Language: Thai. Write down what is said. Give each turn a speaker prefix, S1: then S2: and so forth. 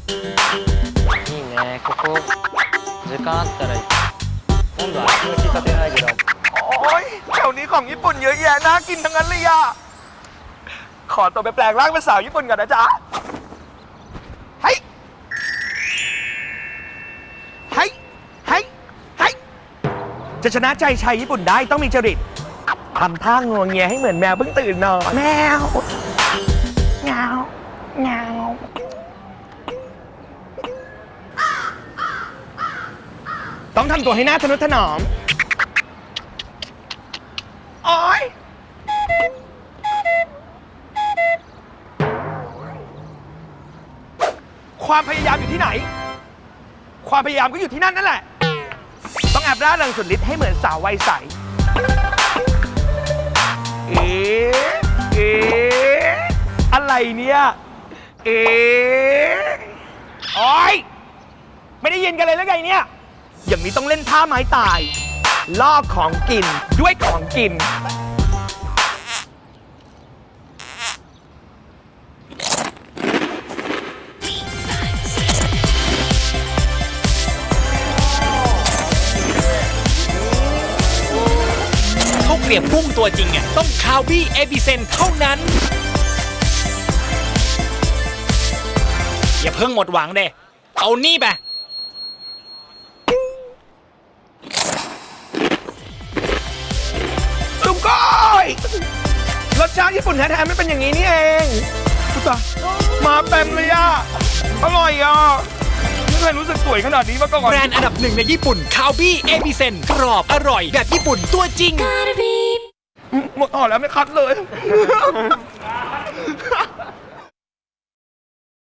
S1: いいねここ時間あったら今度は足の利かせないけど
S2: โอ้ยแถวนี้ของญี่ปุ่นเยอะแยะน่ากินทั้งนั้นเลยอะขอตัวไปแปลงร่างเป็นสาวญี่ปุ่นก่อนนะจ๊ะเฮ้ยเฮ้ยเฮ้ยเฮ้ยจะชนะใจชายญี่ปุ่นได้ต้องมีจริตทำท่างวงเงียให้เหมือนแมวเพิ่งตื่นนอนแมวเงาเงาต้องทำตัวให้หน้าทะนุถนอมโอ๊ยความพยายามอยู่ที่ไหน ความพยายามก็อยู่ที่นั่นนั่นแหละ ต้องแอบร่าเริงสุดฤทธิ์ให้เหมือนสาววัยใส เอ๊ะเอ๊ะอะไรเนี่ย เอ๊ะโอ๊ยไม่ได้ยินกันเลยแล้วไงเนี่ย อย่างนี้ต้องเล่นท่าไม้ตาย ล่อของกินด้วยของกิน
S3: ข้าวเกรียบกุ้งตัวจริงอ่ะต้องคาวบี้เอบิเซนเท่านั้น อย่าเพิ่งหมดหวังเด้เอานี่ไป
S2: ตุ้มก้อยรสชาติญี่ปุ่นแท้ๆไม่เป็นอย่างนี้นี่เองอุ๊ยตายมาเต็มเลยอ่ะ อร่อยอ่ะ ไม่เคยรู้สึกสวยขนาดนี้มาก่อน
S3: แบรนด์อันดับหนึ่งในญี่ปุ่นคาวบี้เอบิเซนกรอบอร่อยแบบญี่ปุ่นตัวจริง
S2: หมดห่อแล้วไม่คัดเลย